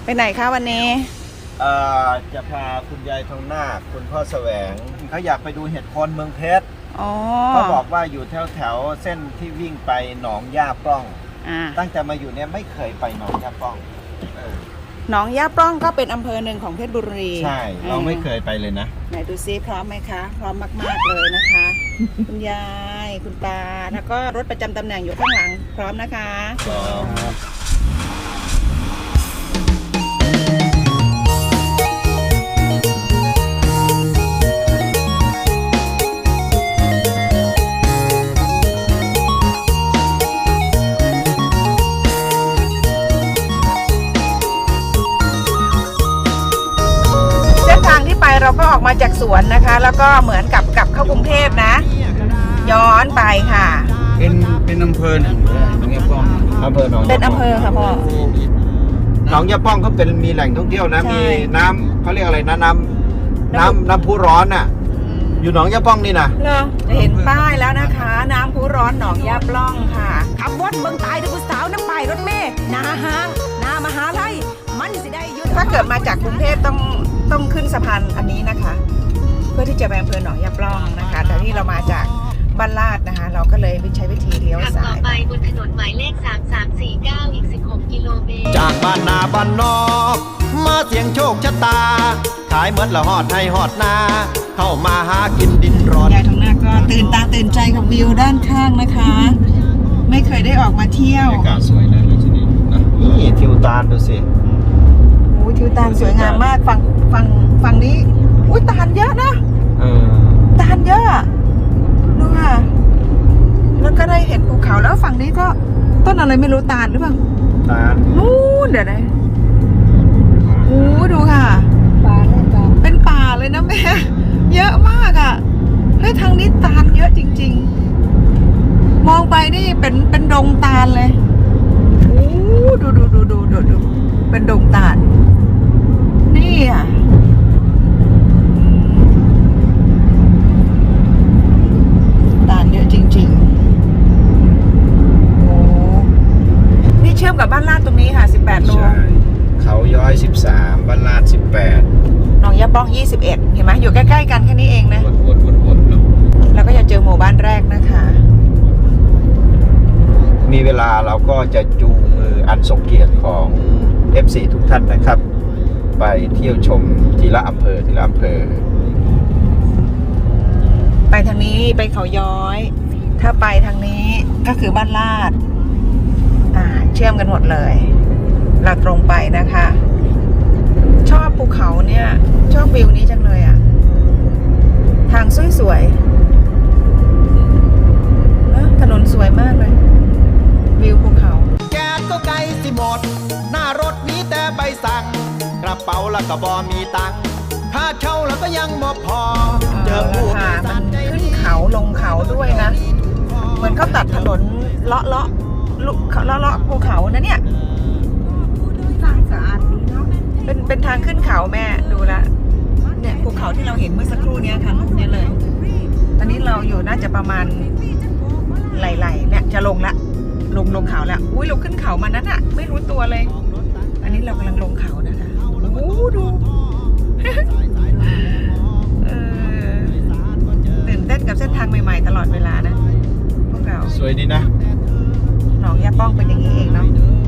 ไหนคะวันนี้จะพาคุณยายทองนาคคุณพ่อแสวงเขาอยากไปดูเห็ดโคนเมืองเพชรเขาบอกว่าอยู่แถวเส้นที่วิ่งไปหนองย่าปล้องตั้งแต่มาอยู่เนี่ยไม่เคยไปหนองย่าปล้องหนองย่าปล้องก็เป็นอำเภอหนึ่งของเพชรบุรีใช่เราไม่เคยไปเลยนะไหนดูซิพร้อมไหมคะพร้อมมากๆเลยนะคะ คุณยายคุณตาแล้วก็รถประจำตำแหน่งอยู่ข้างหลังพร้อมนะคะพร้อมเราก็ออกมาจากสวนนะคะแล้วก็เหมือนกับกลับเข้ากรุงเทพนะย้อนไปค่ะเป็นอำเภอหนึ่งหนองยาป้องอำเภอหนองเป็นอำเภอค่ะพ่อหนองยาป้องเขาเป็นมีแหล่งท่องเที่ยวนะมีน้ำเขาเรียกอะไรนะน้ำพุร้อนน่ะอยู่หนองยาป้องนี่นะจะเห็นป้ายแล้วนะคะน้ำพุร้อนหนองยาปล้องค่ะขับวนเมืองตายดูผู้สาวน้ำไปรถเมล์นาห้างนามหาลัยมันสิได้ยุดถ้าเกิดมาจากกรุงเทพต้องขึ้นสะพานอันนี้นะคะเพื่อที่จะไปอำเภอหนองยาปล้องนะคะแต่ที่เรามาจากบ้านลาดนะคะเราก็เลยใช้วิธีเลี้ยวซ้ายต่อไปบนถนนหมายเลข3349อีก16กิโลเมตรจากบ้านนาบ้านนอกมาเสียงโชคชะตาขายเมื่อละหอดให้หอดนาเข้ามาหากินดินร้อนยายทองนาคก็ตื่นตาตื่นใจกับวิวด้านข้างนะคะไม่เคยได้ออกมาเที่ยวอากาศสวยนะที่นี่นี่ทิวตาลดูสิโอ้ทิวตาลสวยงามมากฝั่งนี้อุ้ยตาลเยอะนะตาลเยอะดูค่ะแล้วก็ได้เห็นภูเขาแล้วฝั่งนี้ก็ต้นอะไรไม่รู้ตาลหรือเปล่าตาลนู่นเดี๋ยวนะโอ้ดูค่ะเป็นป่าเลยนะแม่เยอะมากอ่ะเฮ้ยทางนี้ตาลเยอะจริงๆมองไปนี่เป็นดงตาลเลยโอ้ดูเป็นดงตาลนี่อ่ะตาลเยอะจริงๆโอ้นี่เชื่อมกับบ้านลาดตรงนี้ค่ะ18 โลเขาย้อย13บ้านลาด18 หนองยาป้อง21เห็นไหมอยู่ใกล้ๆกันแค่นี้เองนะวนแล้วก็จะเจอหมู่บ้านแรกนะคะมีเวลาเราก็จะจูงมืออันทรงเกียรติของ FC ทุกท่านนะครับไปเที่ยวชมทีละอำเภอไปทางนี้ไปเขาย้อยถ้าไปทางนี้ก็คือบ้านลาดเชื่อมกันหมดเลยเราตรงไปนะคะชอบภูเขาเนี่ยชอบวิวนี้จังเลยอ่ะทางสวยๆถนนสวยมากเลยวิวภูเขาแก๊สก็ไกลสิหมดหน้ารถมีแต่ใบสั่งกระเป๋าแล้วก็บ่มีตังค์ค่าเช่าแล้วก็ยังบ่พอเจอภูเขามันขึ้นเขาลงเขาด้วยนะเหมือนเขาตัดถนนเลาะภูเขานะเนี่ยสะอาดดีเนาะเป็นทางขึ้นเขาแม่ดูละเนี่ยภูเขาที่เราเห็นเมื่อสักครู่นี้ค่ะลูกนี้เลยตอนนี้เราอยู่น่าจะประมาณไหลเนี่ยจะลงละลงเขาแล้วอุ้ยเราขึ้นเขามานั้นอะไม่รู้ตัวเลยอันนี้เรากำลังลงเขานะคะโอ้ดูตื่นเต้นกับเส้นทางใหม่ๆตลอดเวลานะพวกเราสวยดีนะหนองยาป้องเป็นอย่างนี้เองเนาะ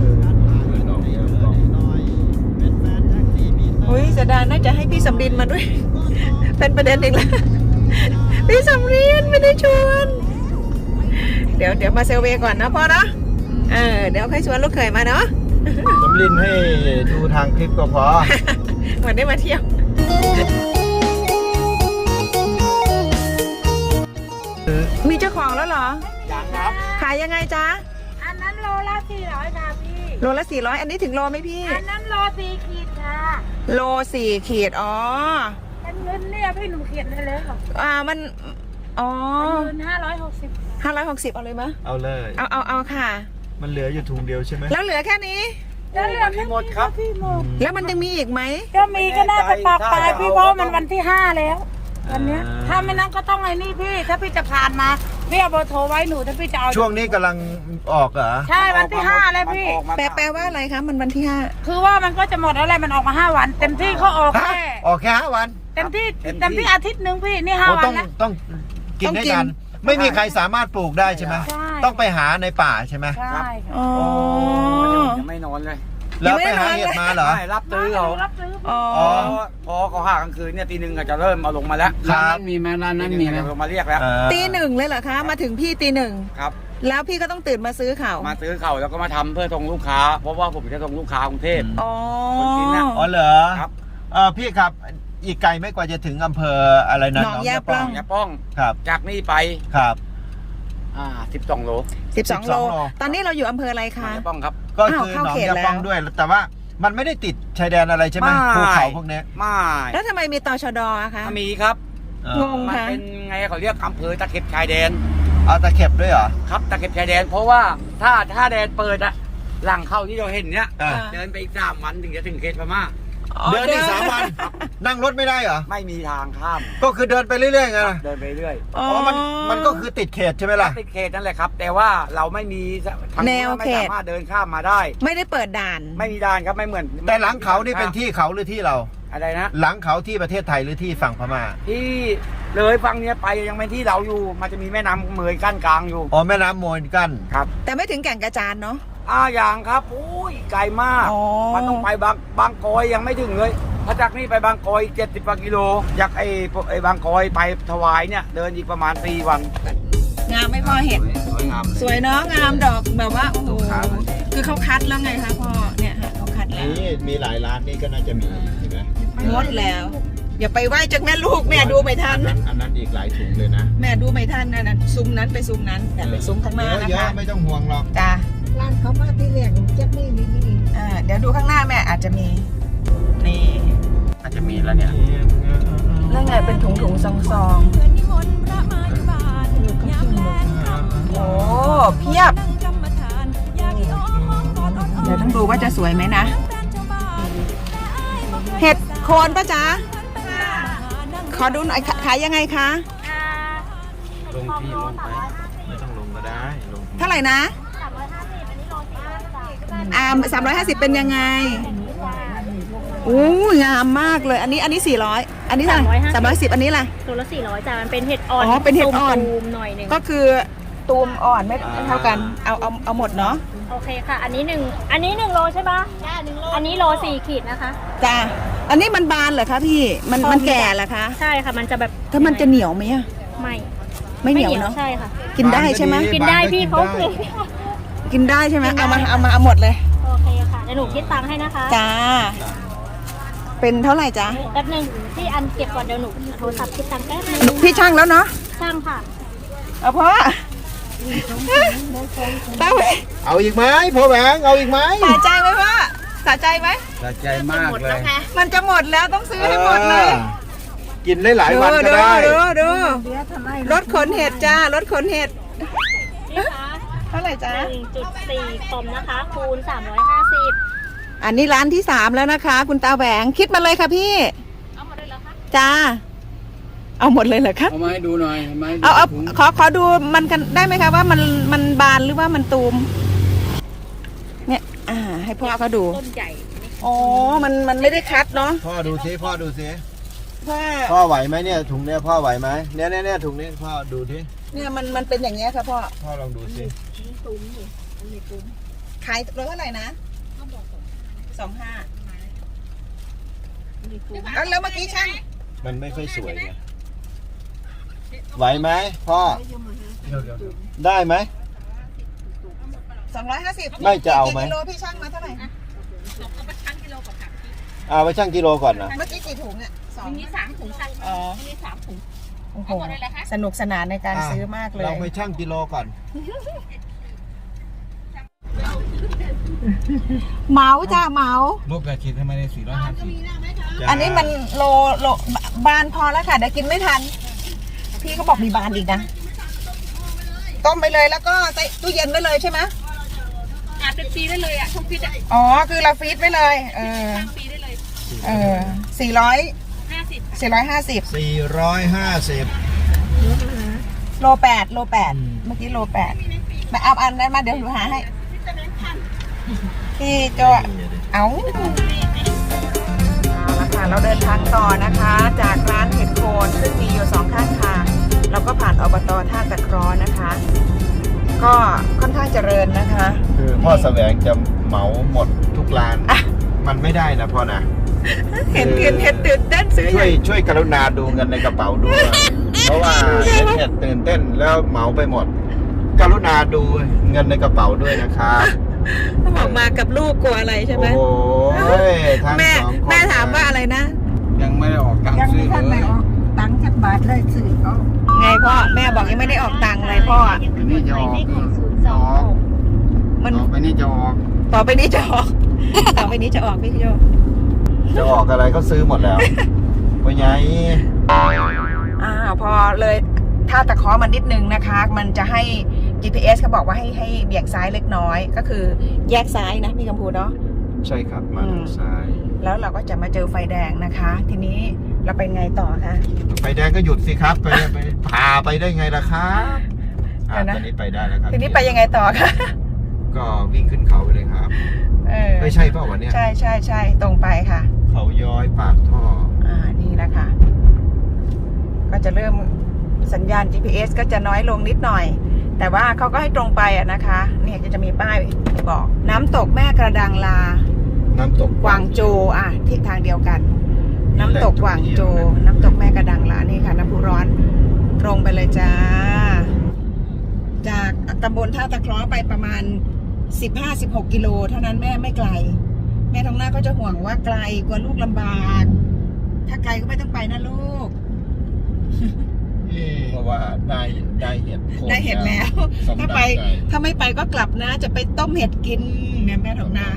อุ้ยเสียดายน่าจะให้พี่สำรินมาด้วย เป็นประเด็นอีกแล้วพี่สำรินไม่ได้ชวนเดี๋ยวมาเซลเวก่อนนะพ่อเนาะเดี๋ยวค่อยชวนลูกเขยมาเนาะสำรินให้ดูทางคลิปก็พอเหมือนได้มาเที่ยวมีเจ้าของแล้วเหรอยังครับขายยังไงจ๊ะอันนั้นโลละ400ค่ะพี่โลละ400อันนี้ถึงโลไหมพี่อันนั้นโล4 ขีดค่ะโล4 ขีดอ๋อเป็นเงินเนี่ยพี่หนูเขียนได้เลยค่ะมันอ๋อเงิน560 เอาเลยมั้ยเอาเลยเอาค่ะมันเหลืออยู่ถุงเดียวใช่ไหมแล้วเหลือแค่นี้แล้วเหลือแค่หมดครับพี่หมดแล้วมันยังมีอีกไหมก็มีก็น่าจะปากปลายพี่เพราะมันวันที่5แล้ววันนี้ถ้าไม่นั้นก็ต้องไอ้นี่พี่ถ้าพี่จะผ่านมาพี่เอาเบอร์โทรไว้หนูถ้าพี่จะเอาช่วงนี้กำลังออกเหรอใช่วันที่ 5แล้วพี่แปลว่าอะไรคะมันวันที่5 คือว่ามันก็จะหมดแล้วแหละมันออกมา5 วัน เต็มที่เขาออกฮะแค่ออกแค่5 วันเต็มที่อาทิตย์หนึ่งพี่นี่โอ้ 5 วันต้องแล้วต้องกินได้กันไม่มีใครสามารถปลูกได้ใช่ไหมใช่ต้องไปหาในป่าใช่ไหมใช่ค่ะอ๋อยังไม่นอนเลยแล้วไปหาเห็ดมาเหรอไม่รับตื้อเขารับซื้ออ๋อพอเขาหากลางคืนเนี่ยตี 1ก็จะเริ่มเอาลงมาแล้วครับร้านนั้นมีไหมร้านนั้นมีไหมลงมาเรียกแล้วตี 1เลยเหรอคะมาถึงพี่ตีครับ 1แล้วพี่ก็ต้องตื่นมาซื้อเขามาซื้อเขาแล้วก็มาทำเพื่อส่งลูกค้า เพราะว่าผมจะส่งลูกค้ากรุงเทพอ๋อคนกินน่ะอ๋อเหรอครับพี่ครับอีกไกลไม่กว่าจะถึงอำเภออะไรนะหนองยาปล้องอย่าป้องครับจากนี่ไปครับ 12 โล 12 โล ตอนนี้เราอยู่อำเภออะไรหนอคะงยาป้องครับก็คืออ้าวหนเข้าองเขตยาปล้องแล้วด้วย แต่ว่ามันไม่ได้ติดชายแดนอะไรใช่ไหมไม่ภูเขาพวกนี้ไม่แล้วทำไมมีตชดอะคะมีครับงงมันค่ะเป็นไงเขาเรียกอำเภอตะเข็บชายแดนเอาตะเข็บด้วยเหรอครับตะเข็บชายแดน เพราะว่าถ้าแดนเปิดอะหลังเข้าที่เราเห็นเนี้ยอ่าเดินไปอีก3 วันถึงจะถึงเขตพม่าเดินอีก3 วัน นั่งรถไม่ได้เหรอไม่มีทางข้ามก็คือเดินไปเรื่อยๆไงล่ะเดินไปเรื่อยอ๋ออ๋อมันก็คือติดเขตใช่ไหมล่ะติดเขตนั่นแหละครับ แต่ว่าเราไม่มีทางแนวไม่เขตสามารถเดินข้ามมาได้ไม่ได้เปิดด่านไม่มีด่านครับไม่เหมือนแต่หลังเขานี่เป็นที่เขาหรือที่เราอะไรนะหลังเขาที่ประเทศไทยหรือที่ฝั่งพม่าที่เลยฝั่งเนี้ยไปยังเป็นที่เราอยู่ มันจะมีแม่น้ำเมยกั้นกลางอยู่อ๋อแม่น้ำโมนกั้นครับแต่ไม่ถึงแก่งกระจานเนาะอย่างครับอุ้ยไกลมากอ๋อมันต้องไปบางกอยยังไม่ถึงเลยถ้าจากนี่ไปบางกอย70 กว่ากิโลจากไอ้บางกอยไปถวายเนี่ยเดินอีกประมาณ4 วันงามไม่พอเห็ดสวยงามสวยเนาะงามดอกแบบว่าโอ้โหคือเขาคัดแล้วไงคะพ่อเนี่ยค่ะเขาคัดแล้วนี่มีหลายร้านนี่ก็น่าจะมีเห็นไหมงดแล้ว อย่าไปไหว้จากแม่ลูกแม่ดูไม่ทันอันนั้นอีกหลายถุงเลยนะแม่ดูไม่ทันนะซุ้มนั้นไปซุ้มนั้นแต่ไปซุ้มข้างหน้านะเยอะคะๆไม่ต้องห่วงหรอกจ้าร้านเขามาที่แรกเจ็บนี่นี่นี่เดี๋ยวดูข้างหน้าแม่อาจจะมีนี่อาจจะมีแล้วเนี่ยนั่นไงเป็นถุงซองโอ้เพียบ เดี๋ยวต้องดูว่าจะสวยไหมนะ เห็ดโคนปะจ๊ะขอดูหน่อยขายยังไงคะลงที่ลงไปไม่ต้องลงก็ได้ลงเท่าไหร่นะ350เป็นยังไงอู้งามมากเลย อันนี้400อันนี้เท่าไหร่310อันนี้ล่ะตัวละ400จ้ะมันเป็นเห็ดอ่อนอ๋อเป็นเห็ดอ่อนตูมหน่อยหนึ่งก็คือตูมอ่อนไม่เท่ากัน เอาหมดเนาะโอเคค่ะ อันนี้1 โลใช่ปะใช่1 โลอันนี้โล4 ขีดนะคะจ้าอันนี้มันบานเหรอคะพี่ มันแก่เหรอคะใช่ค่ะมันจะแบบถ้ามันจะเหนียวไหมอะไม่ไม่เหนียวเนาะใช่ค่ะกินได้ใช่ไหมกินได้พี่เขาคือกินได้ใช่ไหมเอาหมดเลยโอเคค่ะเดี๋ยวหนูคิดตังค์ให้นะคะจ้า เป็นเท่าไหร่จ๊ะแป๊บนึงพี่อันเก็บก่อนเดี๋ยวหนูโทรศัพท์คิดตังค์แป๊บนึงพี่ช่างแล้วเนาะช่างค่ะเอาพ่อตั้งไว้เอาอีกไหมพ่อแหวงเอาอีกไหมสะใจไหมพ่อสะใจไหมสะใจมากเลยมันจะหมดแล้วต้องซื้อให้หมดเลยกินได้หลายวันก็ได้ดูรถขนเห็ดจ้ารถขนเห็ดนี่คะเท่าไหร่จ๊ะ 1.4 คอมนะคะคูณ350 อันนี้ร้านที่3แล้วนะคะ คุณตาแหวงคิดมาเลยค่ะพี่เอาหมดเลยเหรอคะจ้า เอาหมดเลยเหรอคะเอามาให้ดูหน่อยมาให้ดูเอาถุงขอดูมันกันได้ไหมคะว่ามันบานหรือว่ามันตูม เนี่ยให้พ่อเขาดูต้นใหญ่อ๋อมันไม่ได้คัดเนาะพ่อดูซิพ่อดูซิพ่อพ่อไหวไหมเนี่ยถุงเนี้ยพ่อไหวไหมเนี่ยถุงนี้พ่อดูที่เนี่ยมันเป็นอย่างเงี้ยค่ะพ่อพ่อลองดูซิขายรถเท่าไหร่นะ25แล้วเมื่อกี้ช่างมันไม่ค่อยสวยไงไหวไหมพ่อได้ไหม 250 ไม่จะเอาไหมกี่กิโลพี่ช่างมาเท่าไหร่เอาไปชั่งกิโลก่อนนะเมื่อกี้กี่ถุงอ่ะ2มี3ถุงช่างอ๋อมี3ถุงโอ้โหเอาหมดเลยเหรอคะสนุกสนานในการซื้อมากเลยเราไปชั่งกิโลก่อนเหมาจ้าเหมารูปกระชิดทำไมได้450 อันนี้มันโลบานพอแล้วค่ะเดี๋ยวกินไม่ทัน พี่เขาบอกมีบานอีกนะ ต้มไปเลยแล้วก็ใส่ตู้เย็นไว้เลยใช่ไหมอาจเป็นปีได้เลยอ่ะช่องฟิตอ่ะอ๋อคือเราฟรีซไว้เลยปีได้เลย 450 450 โล 8 โล 8 เมื่อกี้โล 8มาเอาอันนั้นมาเดี๋ยวหนูหาให้พี่โจเอาละค่ะเราเดินทางต่อนะคะ จากร้านเห็ดโคนซึ่งมีอยู่2ข้างทางเราก็ผ่านอบตท่าตะเคราะห์นะคะ ก็ค่อนข้างเจริญนะคะคือพ่อแสวงจะเหมาหมดทุกร้าน มันไม่ได้นะพ่อนะเห็นตื่นเต้นซื้อช่วยกรุณาดูเงินในกระเป๋าด้วย เพราะว่าเห็ดตื่นเต้นแล้วเหมาไปหมด กรุณาดูเงินในกระเป๋าด้วยนะครับบอกมากับลูกกลัวอะไรใช่ไหมโอ้ยทั้งแม่สองคนแม่ถามว่าอะไรนะยังไม่ได้ออกตังค์ยังซื้ไม่อทันเลได้ยออกตังค์จากบาทเลยสื่อเขาไงพ่อแม่บอกยังไม่ได้ออกตังค์เลยพ่ออันนี้จะออกมันต่อไปนี่จะออกต่อไปนี้จะออก ต่อไปนี้จะออกพี่โจจะออกอะไรก็ซื้อหมดแล้วว่าไงพอเลยถ้าตะเคาะมันนิดนึงนะคะ มันจะให้ GPS เขาบอกว่าให้เบี่ยงซ้ายเล็กน้อย ก็คือแยกซ้ายนะพี่กัมพูเนาะใช่ครับมาทางซ้ายแล้วเราก็จะมาเจอไฟแดงนะคะ ทีนี้เราไปไงต่อคะไฟแดงก็หยุดสิครับไปพาไปได้ไงล่ะครับตอนนี้ไปได้แล้วครับทีนี้ไปยังไงต่อคะก็วิ่งขึ้นเขาไปเลยครับไม่ใช่เปล่าวันนี้ใช่ตรงไปค่ะเขาย้อยปากท่อนี่แหละค่ะ ก็จะเริ่มสัญญาณ GPS ก็จะน้อยลงนิดหน่อย แต่ว่าเขาก็ให้ตรงไปนะคะ เนี่ยจะมีป้ายบอกน้ำตกแม่กระดังลาน้ำตกกวางโจทิศทางเดียวกัน น้ำตกกวางโจ น้ำตกแม่กระดังลานี่ค่ะน้ำพุร้อนตรงไปเลยจ้า จากตำบลท่าตะเคราะห์ไปประมาณ 15-16 กิโลเท่านั้นแม่ไม่ไกล แม่ทองหน้าก็จะห่วงว่าไกลกลัวลูกลำบาก ถ้าไกลก็ไม่ต้องไปนะลูกเพราะว่าได้เห็ดโคนได้เห็ดแล้วสมดัถ้าง ไปใจถ้าไม่ไปก็กลับนะ จะไปต้มเห็ดกินเนี่ยแม่ทองหน้า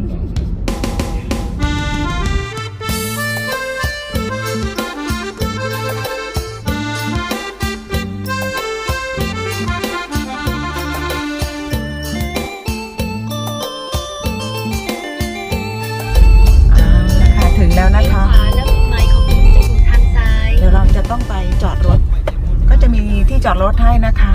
ถึงแล้วนะคะแล้วจุดหมายของคุณจะอยู่ทางซ้ายเดี๋ยวเราจะต้องไปจอดรถ ก็จะมีที่จอดรถให้นะคะ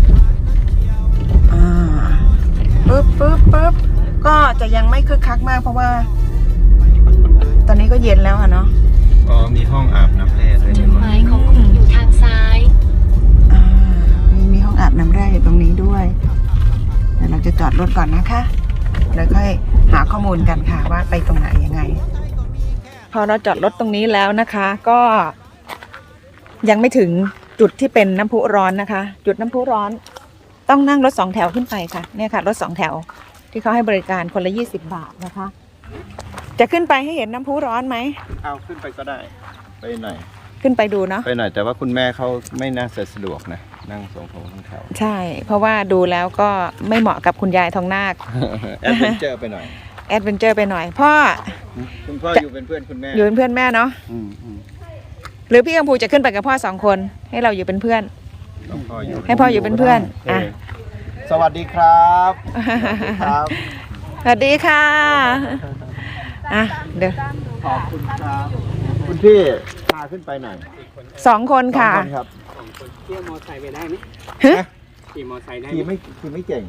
ปึ๊บก็จะยังไม่คึกคักมากเพราะว่า ตอนนี้ก็เย็นแล้วอะเนาะอ๋อมีห้องอาบน้ำแร่ด้วยจุดหมายของคุณอยู่ทางซ้ายมีห้องอาบน้ำแร่อยู่ตรงนี้ด้วยเดี๋ยวเราจะจอดรถก่อนนะคะแล้วค่อยหาข้อมูลกันค่ะว่าไปตรงไหนยังไง พอเราจอดรถตรงนี้แล้วนะคะ ก็ยังไม่ถึงจุดที่เป็นน้ำพุร้อนนะคะ จุดน้ำพุร้อนต้องนั่งรถ2 แถวขึ้นไปค่ะเนี่ยค่ะรถ2 แถวที่เขาให้บริการคนละ20 บาทนะคะ จะขึ้นไปให้เห็นน้ำพุร้อนไหมเอาขึ้นไปก็ได้ไปหน่อยขึ้นไปดูเนาะไปหน่อยแต่ว่าคุณแม่เขาไม่น่าจะสะดวกนะนั่ง2 แถวใช่ เพราะว่าดูแล้วก็ไม่เหมาะกับคุณยายทองนาคแอดเวนเจอร์ไปหน่อยแอดเวนเจอร์ไปหน่อยพ่อคุณพ่ออยู่เป็นเพื่อนคุณแม่อยู่เป็นเพื่อนแม่เนาะหรือพี่กัมพูจะขึ้นไปกับพ่อ2 คนให้เราอยู่เป็นเพื่อน ให้พ่ออยู่เป็นเพื่อนอ่ะสวัสดีครับครับสวัสดีค่ะอ่ะเดี๋ยวขอบคุณครับคุณพี่พาขึ้นไปหน่อย 2 คนค่ะสองนครับขี่มอไซค์ไปได้ไหมฮะขี่มอไซค์ได้ขี่ไม่เก่ง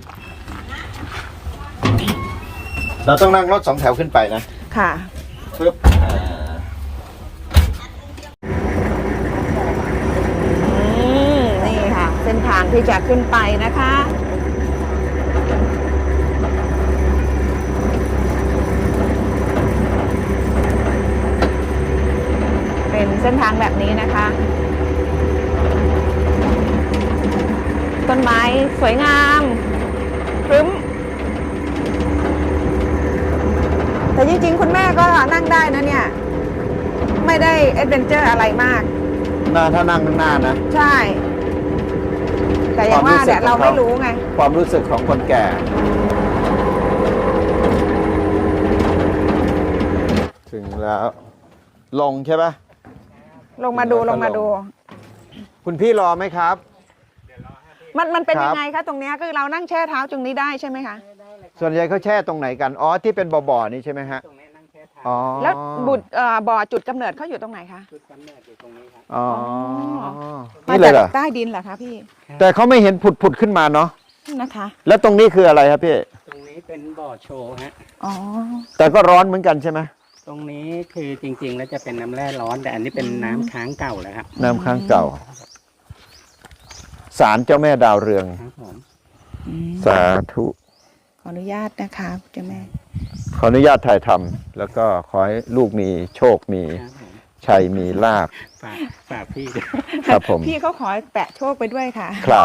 เราต้องนั่งรถ2 แถวขึ้นไปนะค่ะปึ๊บนี่ค่ะเส้นทางที่จะขึ้นไปนะคะ เป็นเส้นทางแบบนี้นะคะ ต้นไม้สวยงามครึ้มแต่จริงๆคุณแม่ก็นั่งได้นะเนี่ย ไม่ได้แอดเวนเจอร์อะไรมากถ้านั่งข้างหน้านะใช่ แต่อย่างว่าเนี่ยเราไม่รู้ไงความรู้สึกของคนแก่ ถึงแล้ว ลงใช่ปะลงมาดูลงมาดูคุณพี่รอไหมครับมันเป็นครับยังไงคะตรงเนี้ยคือเรานั่งแช่เท้าตรงนี้ได้ใช่ไหมคะส่วนใหญ่เขาแช่ตรงไหนกัน อ๋อ ที่เป็นบ่อๆนี่ใช่ไหมฮะตรงนี้นั่งแช่เท้าอ๋อแล้วบ่อจุดกำเนิดเขาอยู่ตรงไหนคะจุดกำเนิดอยู่ตรงนี้ครับอ๋อมานี่เลจาย กเหรอใต้ดินเหรอคะพี่แต่เขาไม่เห็นผุดขึ้นมาเนาะนะคะแล้วตรงนี้คืออะไรครับพี่ตรงนี้เป็นบ่อโชว์ฮะอ๋อแต่ก็ร้อนเหมือนกันใช่ไหมตรงนี้คือจริงๆ แล้วจะเป็นน้ำแร่ร้อนแต่อันนี้เป็นน้ำค้างเก่าแล้วครับน้ำค้างเก่าศาลเจ้าแม่ดาวเรืองครับผมสาธุขออนุญาตนะคะเจ้าแม่ขออนุญาตถ่ายทำแล้วก็ขอให้ลูกมีโชคมีครับผมชัยมีลาภฝากพี่ด้วยครับผมพี่เขาขอแปะโชคไปด้วยค่ะครับ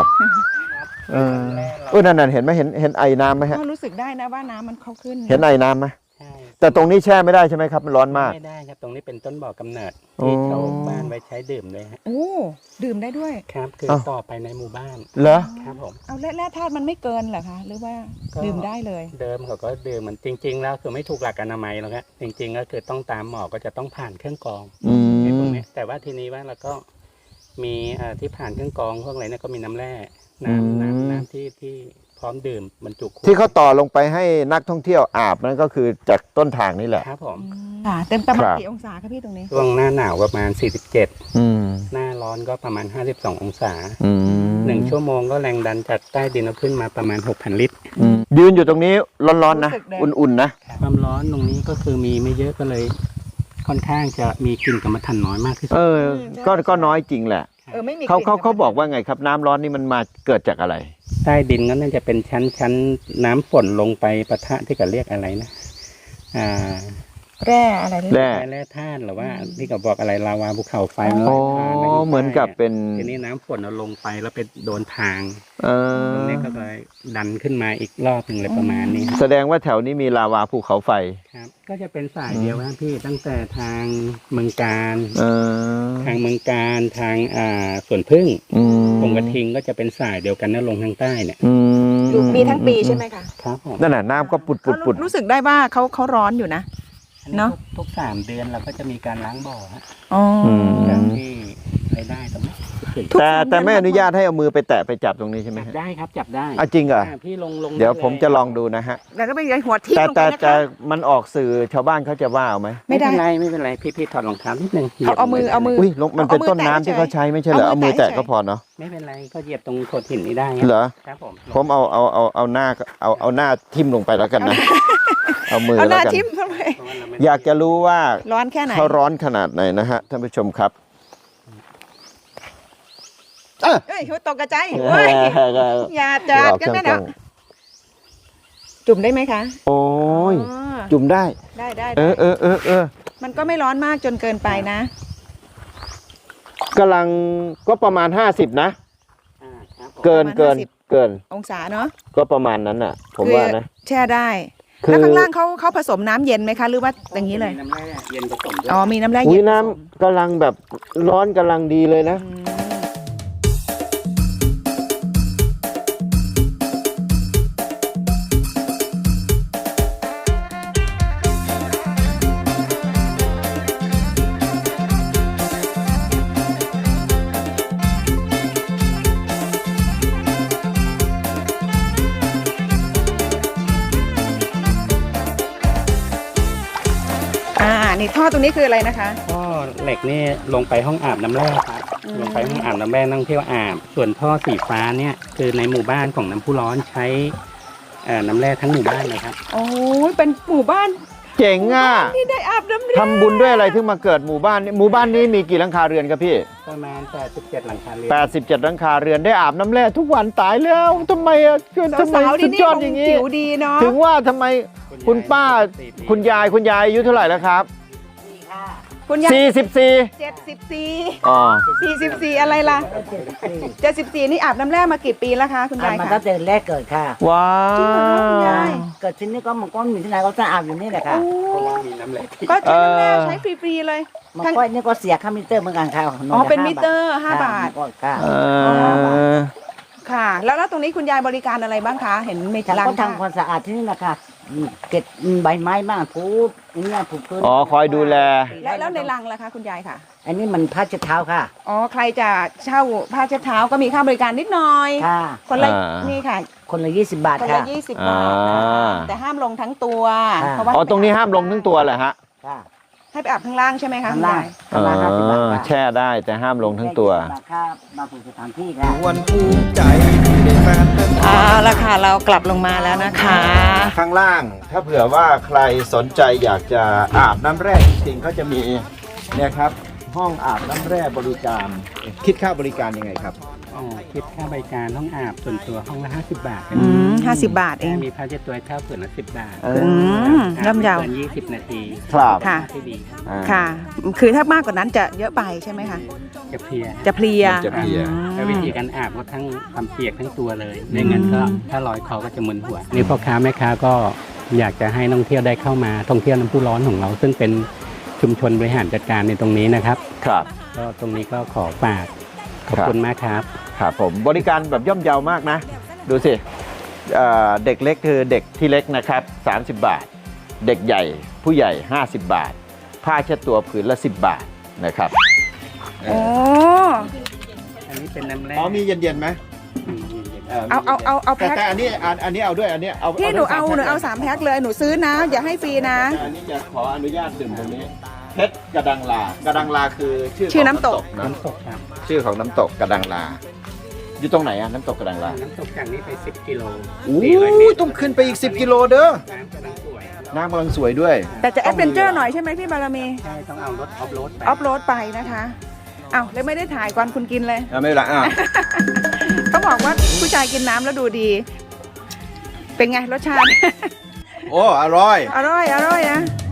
นั่นเห็นไหมเห็นไอ้น้ำไหมฮะก็รู้สึกได้นะว่าน้ำมันเข้าขึ้นเห็นไอ้น้ำไหมใช่แต่ตรงนี้แช่ไม่ได้ใช่ไหมครับมันร้อนมากไม่ได้ครับตรงนี้เป็นต้นบ่อกำเนิดโอ้ที่ชาวบ้านไว้ใช้ดื่มเลยฮะโอ้ดื่มได้ด้วยครับคือเอ้าต่อไปในหมู่บ้านเหรอครับผมเอาแร่ธาตุมันไม่เกินเหรอคะหรือว่าก็ดื่มได้เลยเดิมเขาก็ดื่มมันจริง ๆ แล้วคือไม่ถูกหลักอนามัยหรอกครับจริง ๆ ก็คือต้องตามหมอก็จะต้องผ่านเครื่องกรองอืไอ้พวกมเนี้ยแต่ว่าทีนี้ว่าเราก็มีที่ผ่านเครื่องกรองพวกอะไรเนี่ยก็มีน้ำแร่อืมน้ำที่พร้อมดื่มบรรจุขวดที่เขาต่อลงไปให้นักท่องเที่ยวอาบนั่นก็คือจากต้นทางนี่แหละครับผมค่ะเต็มประมาณครับกี่องศาคะพี่ตรงนี้ช่วงหน้าหนาวประมาณ 47 อืมหน้าร้อนก็ประมาณ 52 องศาอืม 1 ชั่วโมงก็แรงดันจากใต้ดินเอาขึ้นมาประมาณ 6,000 ลิตรยืนอยู่ตรงนี้ร้อนๆนะรู้สึกเลยอุ่นๆนะความร้อนตรงนี้ก็คือมีไม่เยอะก็เลย ค่อนข้างจะมีกลิ่นกรรมฐานน้อยมากที่สุดก็น้อยจริงแหละไม่มีเขากลิ่นบอกว่าไงครับน้ำร้อนนี่มันมาเกิดจากอะไรใต้ดินก็น่าจะเป็นชั้นน้ำฝนลงไปปะทะที่เขาเรียกอะไรนะแร่อะไรนี่แร่แร่ธาตุหรือว่าที่เขาบอกอะไรลาวาภูเขาไฟมันอ๋อไหลผ่านแล้วยู่เหมือนกับเป็นทีนี้น้ำฝนเอาลงไปแล้วไปโดนทางเอตรงอนี้ก็เลยดันขึ้นมาอีกรอบหนึ่งเลยประมาณนี้แสดงว่าแถวนี้มีลาวาภูเขาไฟครับก็จะเป็นสายเดียวนะพี่ตั้งแต่ทางเมืองการเออทางเมืองการทางสวนพึ่งอืมคงกระทิงก็จะเป็นสายเดียวกันนะลงทางใต้เนี่ยอืมีทั้งปีใช่ไหมคะครับผมนั่นน่ะน้ำก็ปุดรู้สึกได้ว่าเขาร้อนอยู่นะอันนี้เนอะทุก3 เดือนเราก็จะมีการล้างบ่อฮะอ๋ออจากที่รายได้ตรงนี้ทุกแต่สามแต่ไม่เดือน นุญาตให้เอามือไปแตะไปจับตรงนี้ใช่ไหมจับฮะได้ครับจับได้อ่ะจริงเหรอพี่ลงเดี๋ยวไผมจะลองดูนะฮะแล้วก็ไปยัยหัวทิ่มแต่ลงไปแต่นะแต่คะมันออกสื่อชาวบ้านเขาจะว่าเอาไหมไม่ได้ไม่เป็นไรพี่ถอดรองเท้านิดนึงเอามืออุ้ยมันเป็นเอามือต้นน้ำแตะที่เขาใช้ไม่ใช่เหรอเอาเอามืมืออแตะแตะก็พอเนาะไม่เป็นไรก็เหยียบตรงโขดหินนี้ได้ฮะเหรอครับผมผมเอาหน้าเอาหน้าทิ่มลงไปแล้วกันนะ เอามือเอาหแล้วน้ากันทิ่มทำไมเพราะว่าเราไม่อยากจะรู้ว่าร้อนแค่ไหนเขาร้อนขนาดไหนนะฮะท่านผู้ชมครับเอ้ยเขาตกกระจายเฮ้ยอย่าจัดกันแม่นะจุ่มได้ไหมคะโอ้ยอ๋อจุ่มได้ได้เออมันก็ไม่ร้อนมากจนเกินไปนะกำลังก็ประมาณ50นะครับผมเกินประมาณเกินองศาเนาะก็ประมาณนั้นน่ะ ผมว่านะแช่ได้คือแล้วข้างล่างเขาผสมน้ำเย็นไหมคะ หรือว่าอย่างนี้เลยมีน้ำแร่เย็นผสมด้วยอ๋อมีน้ำแร่อุ้เย็ยนน้ำกำลังแบบร้อนกำลังดีเลยนะอืม นี่ท่อตรงนี้คืออะไรนะคะท่อเหล็กนี่ลงไปห้องอาบน้ำแร่ครับ ลงไปห้องอาบน้ำแร่นักท่องเที่ยวอาบ ส่วนท่อสีฟ้าเนี่ยคือในหมู่บ้านของน้ำพุร้อนใช้น้ำแร่ทั้งหมู่บ้านเลยครับโอ้ยเป็นหมู่บ้านเจ๋งอ่ะที่ได้อาบน้ำแร่ทำบุญด้วยอะไรถึงมาเกิดหมู่บ้านนี้หมู่บ้านนี้มีกี่หลังคาเรือนครับพี่ประมาณ87หลังคาเรือน 87หลังคาเรือนได้อาบน้ำแร่ทุกวันตายแล้วทำไมอ่ะทำไมสาวๆสุที่ดนี่ยอดคอย่างงนี้ผิวดีเนาะถึงว่าทำไมคุณป้าคุณยายอายุเท่าไหร่แล้วครับคุณยาย 44 74 อ๋อ 44อะไรล่ะ74นี่อาบน้ำแร่มากี่ปีแล้วคะคุณยายมาคะตั้งแต่แรกเกิดค่ะว้าจริงเหรอคุณยายเกิดที่นี่ก็มันก็มีที่ไหนก็จะอาบอยู่นี่แหละค่ะเพราะว่ามีน้ำแร่ก็ใช้น้ำแร่ใช้ฟรีๆเลยมันก็นี่ก็เสียค่ามิเตอร์เหมือนกันค่ะอ๋อเป็นมิเตอร์5 บาทก็ค่ะเออค่ะ แล้วตรงนี้คุณยายบริการอะไรบ้างคะ เห็นมีฉันล้างก็ทำความสะอาดที่นี่แหละค่ะเก็บใบไม้บ้างถูอย่างเงี้ยถูพื้นอ๋อคอยดูแลแล้วในรังล่ะคะคุณยายค่ะอันนี้มันผ้าเช็ดเท้าค่ะอ๋อใครจะเช่าผ้าเช็ดเท้าก็มีค่าบริการนิดหน่อยค่ะคนละอ่านี่นี่ค่ะคนละ20 บาทคนค่ะละ20 บาทนะคะอ่าแต่ห้ามลงทั้งตัวอ่าเพราะว่าอ๋อตรงนี้ห้ามลงทั้งตัวเหรอฮะค่ะให้ไปอาบข้างล่างใช่ไหมคะข้างล่างคุณยายข้างล่าง50 บาทค่ะแช่ได้แต่ห้ามลงทั้งตัวค่ามาผูกสถานที่ค่ะวันภูมิใจที่ได้แฟนเป็นเอาละค่ะเรากลับลงมาแล้วนะคะข้างล่างถ้าเผื่อว่าใครสนใจอยากจะอาบน้ำแร่จริงๆก็จะมีเนี่ยครับห้องอาบน้ำแร่บริการคิดค่าบริการยังไงครับอ๋อคิดค่าบริการห้องอาบส่วนตัวห้องละ50 บาท 50 บาทเองมีผ้าเช็ดตัวให้เช่าส่วนละ10 บาทย่ำยาวเกิน20 นาทีครับค่ะที่ดีค่ะ คือถ้ามากกว่านั้นจะเยอะไปใช่ไหมคะจะเพลียจะเพลียจะเพลียแล้ววิธีการอาบก็ทั้งความเปียกทั้งตัวเลยไม่งั้นก็ถ้าลอยคอก็จะมึนหัว นี่พ่อค้าแม่ค้าก็อยากจะให้นักท่องเที่ยวได้เข้ามาท่องเที่ยวน้ำพุร้อนของเรา ซึ่งเป็นชุมชนบริหารจัดการในตรงนี้นะครับครับก็ตรงนี้ก็ขอฝากขอบคุณมากครับครับผมบริการแบบย่อมเยาวมากนะ ดูสิเด็กเล็กคือเด็กที่เล็กนะครับ30 บาท เด็กใหญ่ผู้ใหญ่ 50 บาท ผ้าเช็ดตัวผืนละ 10 บาทนะครับโอ้อันนี้เป็นน้ำแร่อ๋อมีเย็นๆไหมเอาแพ็คแต่อันนี้เอาด้วยอันนี้เอาพี่หนูเอาด้วยหนูเอา3 แพ็คเลยหนูซื้อนะ อย่าให้ฟรีนะแต่อันนี้จะขออนุญาตดื่มตรงนี้เพชรกระดังลากระดังลาคือชื่อชื่อของน้ำตกนะน้ำตกครับชื่อของน้ำตกกระดังลา อยู่ตรงไหนอะน้ำตกกระดังลาน้ำตกจากนี้ไป10 กิโลโอ้ 400 เมตรต้องขึ้นไปอีก 10 กิโลเด้อน้ำกำลังสวยน้ำกำลังสวยด้วยแต่จะแอดเวนเจอร์หน่อยใช่ไหมพี่บารมีใช่ต้องเอารถออฟโรดไปออฟโรดไปนะคะเอาเลยไม่ได้ถ่ายก่อนคุณกินเลยไม่เป็นไรอ่ะเขาบอกว่าผู้ชายกินน้ำแล้วดูดี เป็นไงรสชาติโอ้อร่อยอร่อยนะ